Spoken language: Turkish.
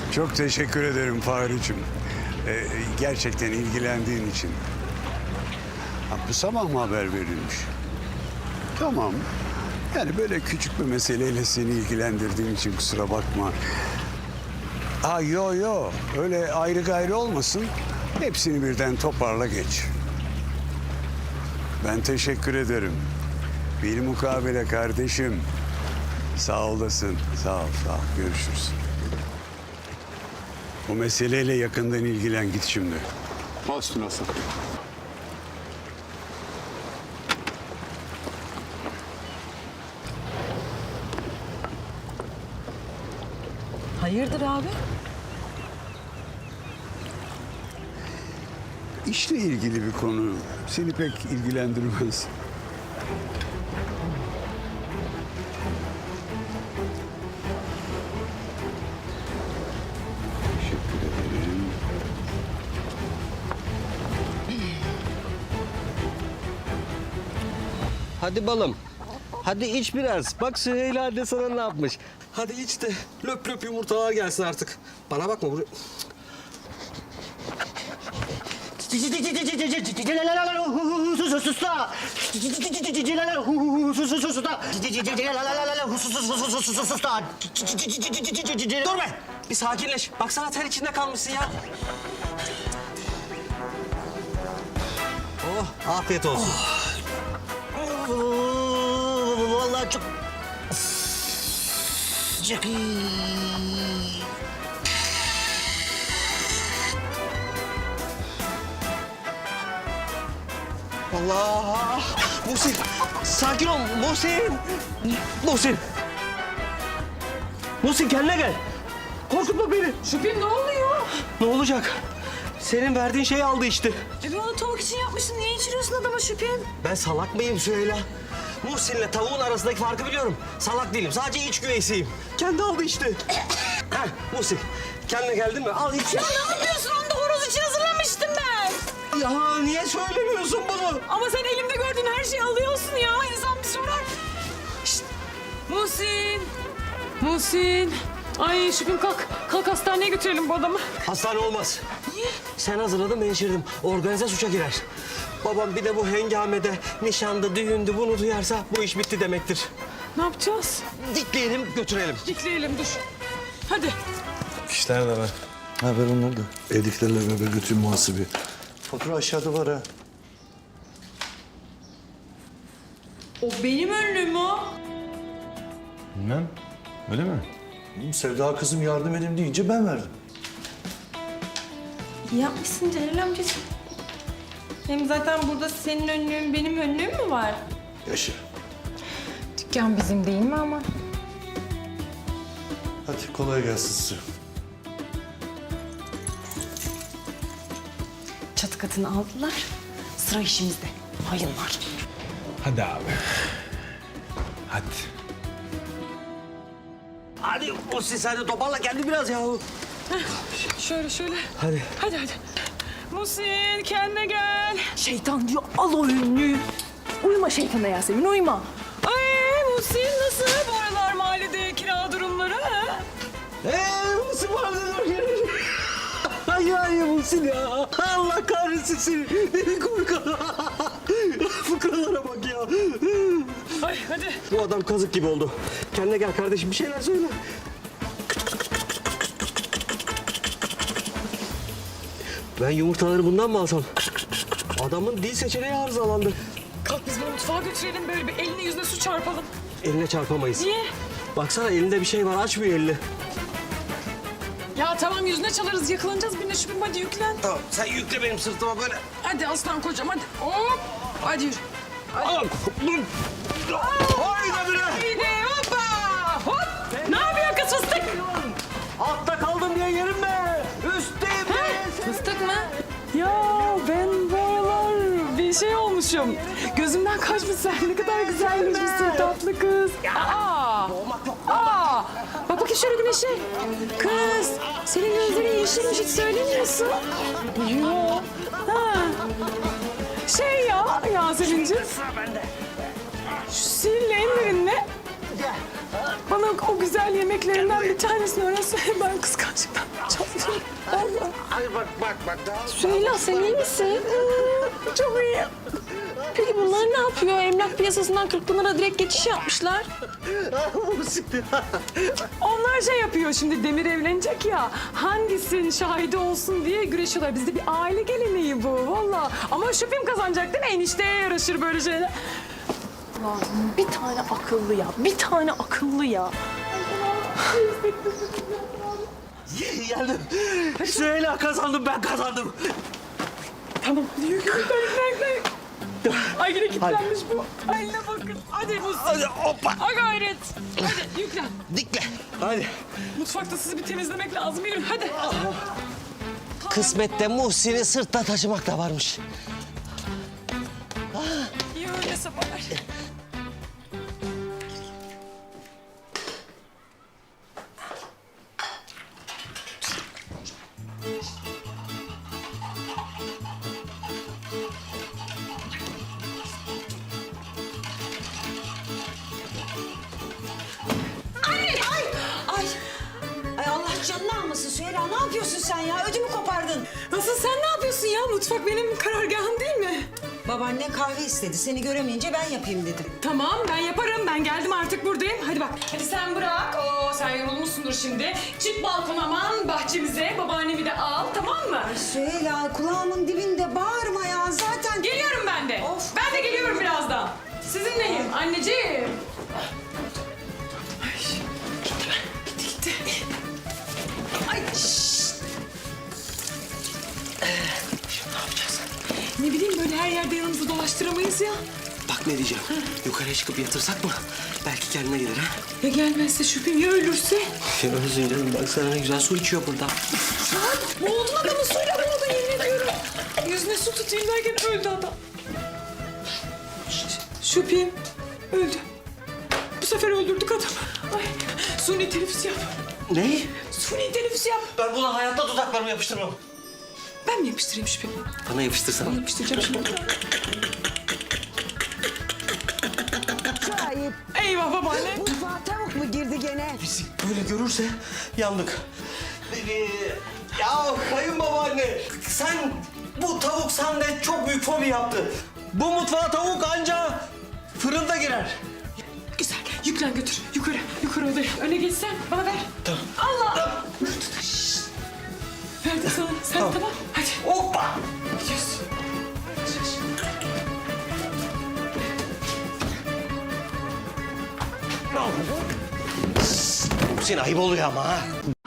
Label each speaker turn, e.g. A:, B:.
A: Çok teşekkür ederim Fahri'cim. Gerçekten ilgilendiğin için. Ha, bu sabah mı haber verilmiş? Tamam. Yani böyle küçük bir meseleyle seni ilgilendirdiğim için kusura bakma. Yo. Öyle ayrı gayrı olmasın. Hepsini birden toparla geç. Ben teşekkür ederim. Bilmukabele kardeşim. Sağ olasın. Sağ ol. Görüşürüz. Bu meseleyle yakından ilgilen git şimdi.
B: Bastın Hasan.
C: Hayırdır abi?
A: İşle ilgili bir konu. Seni pek ilgilendirmez. Teşekkür ederim.
D: Hadi balım. Hadi iç biraz. Bak Süheyla anne sana ne yapmış. Hadi iç de löp löp yumurtalar gelsin artık. Bana bakma buraya. Dur be! Bir sakinleş. Baksana ter içinde kalmışsın ya. Oh, afiyet olsun. Vallahi çok sıcak. Allah! Muhsin, sakin ol Muhsin. Muhsin kendine gel. Korkutma beni.
C: Şüphem ne oluyor?
D: Ne olacak? Senin verdiğin şeyi aldı işte.
C: Ben onu tavuk için yapmıştım. Niye içiriyorsun adama Şüphem?
D: Ben salak mıyım Süheyla? Muhsin'le tavuğun arasındaki farkı biliyorum. Salak değilim. Sadece iç güveysiyim. Kendi aldı işte. Heh, Muhsin, kendine geldin mi? Al iç.
C: Ya ne yapıyorsun? Onu da horoz için hazırlamıştım ben.
D: Ya niye söylemiyorsun bunu?
C: Ama sen elimde gördüğün her şeyi alıyorsun ya. İnsan bir sorar. Şişt. Muhsin. Ay Şüphem kalk. Kalk hastaneye götürelim bu adamı.
D: Hastane olmaz.
C: Niye?
D: Sen hazırladın, ben içirdim. Organize suça girer. Babam bir de bu hengamede, nişanda, düğündü bunu duyarsa bu iş bitti demektir.
C: Ne yapacağız?
D: Dikleyelim, götürelim.
C: Dikleyelim dur. Hadi.
E: İşler de var.
F: Ha ver onları da. Evdekilerle beraber götürün muhasebe. Fatura aşağıda var ha.
C: O benim önlüğüm o.
E: Bilmem. Öyle mi?
F: Sevda kızım yardım edin deyince ben verdim.
G: İyi yapmışsın Celal amcacığım. Hem zaten burada senin önlüğün, benim önlüğüm mü var?
F: Yaşa.
G: Dükkan bizim değil mi ama?
F: Hadi kolay gelsin size.
G: Çatı katını aldılar. Sıra işimizde. Hayırlar.
E: Hadi abi. Hadi.
D: Hadi Muhsin sen de toparla kendi biraz ya.
C: Şöyle.
D: Hadi.
C: Hadi. Muhsin kendine gel.
G: Şeytan diyor al o önlüğü. Uyuma şeytana Yasemin uyuma.
C: Ay Muhsin nasıl bu aralar mahallede kira durumları ha?
D: Muhsin var dur. Ay Muhsin ya. Allah kahretsin seni. Fıkralara bak ya.
C: Ay hadi.
D: Bu adam kazık gibi oldu. Kendine gel kardeşim bir şeyler söyle. Ben yumurtaları bundan mı alsam? Adamın dil seçeneği arızalandı.
C: Kalk biz bunu mutfağa götürelim böyle bir eline yüzüne su çarpalım.
D: Eline çarpamayız.
C: Niye?
D: Baksana elinde bir şey var açmıyor elini.
C: Ya tamam yüzüne çalarız yakalanacağız birine Şüphem hadi yüklen.
D: Tamam sen yükle benim sırtıma böyle.
C: Hadi aslan kocam hadi. Hop. Hadi yürü.
D: Al. Haydi bire.
C: Haydi hoppa. Hop. Ne yapıyor kız fıstık?
D: Altta kaldım diye yerim be. Üstteyim be.
G: Fıstık mı?
C: Ya ben bu aralar bir şey olmuşum. Gözümden kaçmış sen ne kadar güzelmişsin tatlı kız. Aa. Bak bakayım şöyle güneşe. Kız senin gözlerin yeşilmiş hiç söylemiyorsun. Yok. Ha. Şey ya Yasemin'ciğim. Şu sihirli ellerinle bana o güzel yemeklerinden bir tanesini öğrense ben kıskanç Gerçekten çatlıyorum. Vallahi.
D: Ay bak daha.
G: Süheyla sen iyi misin?
C: Çok iyi.
G: Peki bunlar ne yapıyor? Emlak piyasasından Kırkpınar'a direkt geçiş yapmışlar.
C: Onlar şey yapıyor şimdi, Demir evlenecek ya. Hangisinin şahidi olsun diye güreşiyorlar. Bizde bir aile geleneği bu valla. Ama şüphem kazanacak değil mi? Enişteye yaraşır böyle şeyler.
G: Allah'ım bir tane akıllı ya. Bir tane akıllı ya.
D: Geldim. Süheyla kazandım, ben kazandım.
C: Tamam. Yürü. Ay yine kilitlenmiş bu. Ay ne bakın. Hadi bu.
D: Hadi hoppa.
C: Ha gayret. Hadi yüklen.
D: Dikle. Hadi.
C: Mutfakta sizi bir temizlemek lazım. Yürü hadi.
D: Kısmette Muhsin'i sırtta taşımak da varmış.
C: İyi öyle sabahlar.
B: Ay Allah canını almasın Süheyla. Ne yapıyorsun sen ya? Ödümü kopardın.
C: Nasıl sen ne yapıyorsun ya? Mutfak benim karargahım değil mi?
B: Babaannen kahve istedi. Seni göremeyince ben yapayım dedim.
C: Tamam ben yaparım. Ben geldim artık buradayım. Hadi bak. Hadi sen bırak. Oo sen yorulmuşsundur şimdi. Çık balkona aman bahçemize. Babaannemi de al tamam mı?
B: Süheyla kulağımın dibinde bağırma ya. Zaten...
C: Geliyorum ben de.
B: Of.
C: Ben de geliyorum birazdan. Sizinleyim anneciğim. Ay. Gitti. Ay. Şşt.
D: Şimdi ne yapacağız?
C: Ne bileyim böyle her yerde yanımızda dolaştıramayız ya.
D: Bak ne diyeceğim. Yukarıya çıkıp yatırsak mı? Belki kendine gelir ha.
C: Ya gelmezse şüphem ya ölürse?
D: Ya özür dilerim. Bak sana ne güzel su içiyor burada.
C: Boğuldun adamı suyla boğuldun yemin ediyorum. Yüzüne su tutayım derken öldü adam. Şüphem öldü. Bu sefer öldürdük adamı. Ay suni teneffüs yap.
D: Ne?
C: Suni teneffüs yap.
D: Ben buna hayatta dudaklarımı yapıştırmam.
C: Ben mi yapıştırayım şüphemi?
D: Bana yapıştırsana.
C: Yapıştıracağım şimdi.
B: Şahip.
C: Eyvah babaanne.
B: Mutfağa tavuk mu girdi gene?
D: Bizi böyle görürse yandık. Ya kayınbabaanne sen bu tavuk sende çok büyük fobi yaptı. Bu mutfağa tavuk anca fırında girer.
C: Güzel. Yüklen götür. Yukarı odaya. Öne geçsen bana ver.
D: Tamam.
C: Allah. Şşt. Verdim sana. Sen tamam. Hadi.
D: Hoppa.
C: Gidiyoruz.
D: Senin ayıp oluyor ama ha.